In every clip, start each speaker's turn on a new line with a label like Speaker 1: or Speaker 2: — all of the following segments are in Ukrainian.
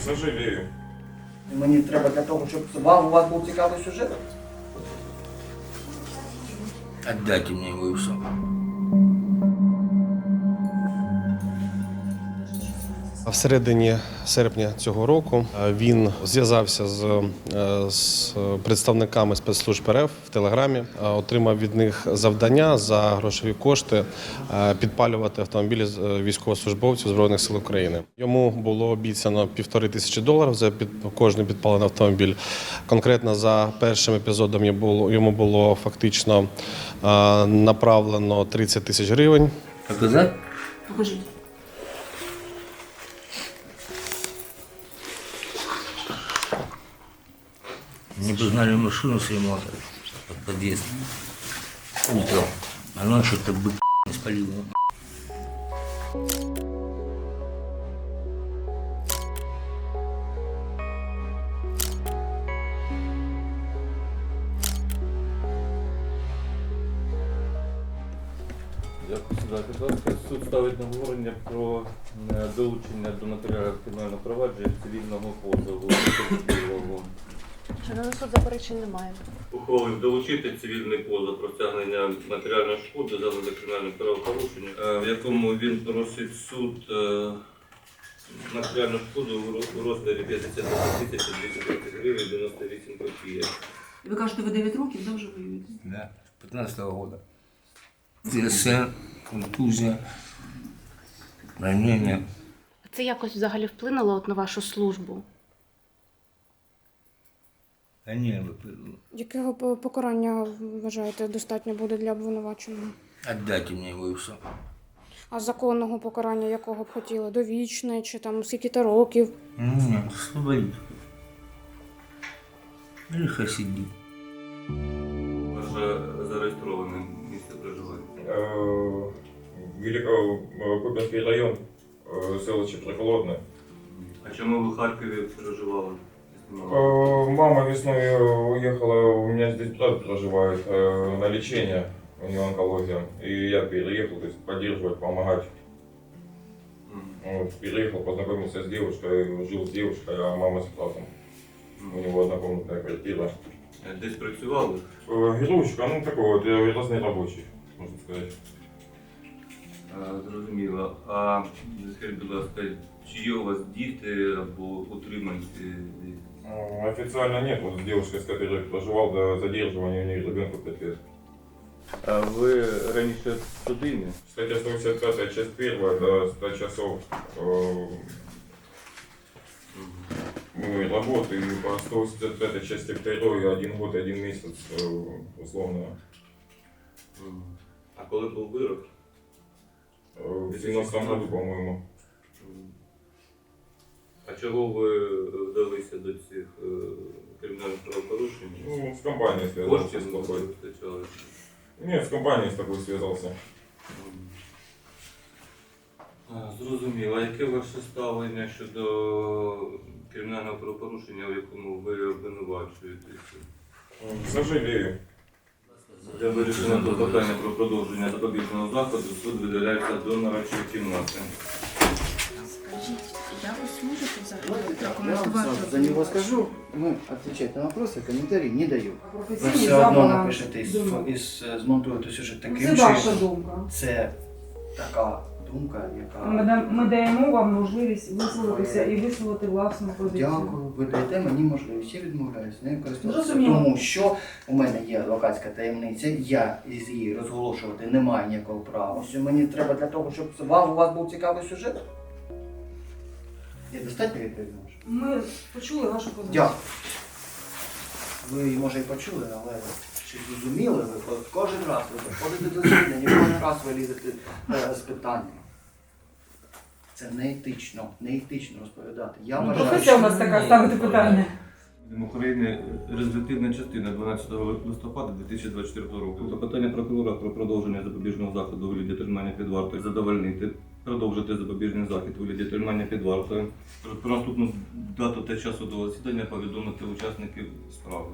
Speaker 1: Сожалею.
Speaker 2: Мені треба для того, щоб у вас був цікавий сюжет.
Speaker 3: Отдайте мне его и все.
Speaker 4: В середині серпня цього року він зв'язався з представниками спецслужб РФ в Телеграмі, отримав від них завдання за грошові кошти підпалювати автомобілі військовослужбовців Збройних сил України. Йому було обіцяно $1500 за кожний підпалений автомобіль. Конкретно за першим епізодом йому було фактично направлено 30 тисяч гривень.
Speaker 3: Показать?
Speaker 5: Покажіть.
Speaker 3: Мне признали машину с ремонтом под подъезд. Утром. А ночью это бык не спалил.
Speaker 6: Дякую, будь ласка. Суд ставить на говорення про долучення до матеріалів кримінального провадження цивільного позову.
Speaker 5: Шановний суд, заперечень немає.
Speaker 6: Ухвалив долучити цивільний позов про стягнення матеріальної шкоди за кримінальне правопорушення, в якому він просить суд матеріальну шкоду у розмірі 52 230 гривень 98 копійок.
Speaker 5: Ви кажете, ви 9 років, де вже воюєте?
Speaker 3: Да, 15-го года. ТСН, контузия, ранение.
Speaker 5: Це якось взагалі вплинуло от на вашу службу?
Speaker 3: Они выпрыгнули.
Speaker 7: Якого покарання, вважаєте, достатньо буде для обвинуваченого?
Speaker 3: Отдайте мне его и все.
Speaker 7: А законного покарання якого б хотіли? Довічне чи там скільки-то років?
Speaker 3: Нет, освободить. Или хай сидит.
Speaker 6: Ваше зареєстроване місце проживання.
Speaker 1: Великокупинский район, селище Прихолодне.
Speaker 6: А чому ви в Харкові проживали?
Speaker 1: Мама весной уехала, у меня здесь брат проживает на лечение, у него онкология. И я переехал, то есть поддерживать, помогать. Вот, переехал, познакомился с девушкой, жил с девушкой, а мама с братом. У него однокомнатная квартира.
Speaker 6: Десь працювали?
Speaker 1: Веровочка, ну такой вот, разный рабочий, можно сказать.
Speaker 6: Зрозуміло. А скажіть, будь ласка, чи є у вас діти або утриманці?
Speaker 1: Официально нет, вот с девушкой, с которой проживал до задерживания, у нее ребенку 5 лет.
Speaker 6: А ви раніше судимі?
Speaker 1: Статья 185, часть 1, до 100 часов работы, и по 185 части 2, 1 год, 1 месяц условно.
Speaker 6: А коли був вирок?
Speaker 1: В 2017 году, по-моему.
Speaker 6: А чого ви вдалися до цих кримінальних правопорушень?
Speaker 1: Ну, с компанией связался.
Speaker 6: Коштів
Speaker 1: с
Speaker 6: не
Speaker 1: плохой.
Speaker 6: вистачало?
Speaker 1: Нет, с компанией с такой связался.
Speaker 6: Зрозуміло. А яке ваше ставлення щодо кримінального правопорушення, в якому ви обвинувачуєтеся?
Speaker 1: Сожалею.
Speaker 6: Для вирішення клопотання про продовження запобіжного заходу суд видаляється до нарадчої кімнати.
Speaker 5: Скажіть, якось можете взагалі
Speaker 2: Я вам
Speaker 5: прокоментувати?
Speaker 2: сразу за него скажу. Мы отвечать на вопросы, комментарий не даю. Вы
Speaker 8: Професійні
Speaker 2: все одно
Speaker 8: замовлення.
Speaker 2: напишете і змонтуєте сюжет
Speaker 8: Це
Speaker 2: таким
Speaker 8: ваша
Speaker 2: чином.
Speaker 8: думка.
Speaker 2: Це така думка, яка...
Speaker 8: Ми даємо вам можливість висловитися і висловити власну позицію.
Speaker 2: Дякую, ви даєте мені можливість, я відмовляюсь нею користуватися,
Speaker 8: Зрозуміло.
Speaker 2: тому що у мене є адвокатська таємниця, я із її розголошувати не маю ніякого права. Що мені треба для того, щоб у вас був цікавий сюжет? Я достатньо відповідно?
Speaker 8: Ми почули вашу позицію.
Speaker 2: Дякую. Ви, може, і почули, але чи зрозуміли ви? От кожен раз ви приходите до засідання, кожен раз ви лізете з питаннями. Це неетично, неетично розповідати. Я вважаю,
Speaker 8: Професія у нас така ставити питання.
Speaker 6: України, резолютивна частина 12 листопада 2024 року. Клопотання прокурора про продовження запобіжного заходу у вигляді тримання під вартою задовольнити, продовжити запобіжний захід у вигляді тримання під вартою. Про наступну дату та час судового засідання повідомити учасників справи.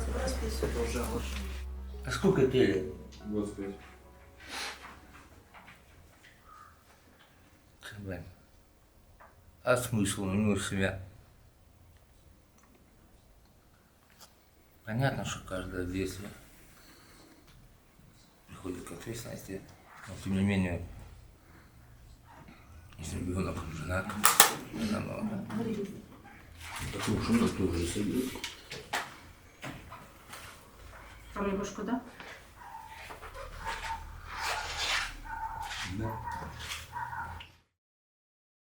Speaker 3: А сколько тебе лет?
Speaker 1: 25.
Speaker 3: блядь. А смысл у него себя? Понятно, что каждое действие приходит к ответственности, но тем не менее, если ребенок женат, намного. Такую шуму тоже себе.
Speaker 5: Вам його шкода?
Speaker 3: Да.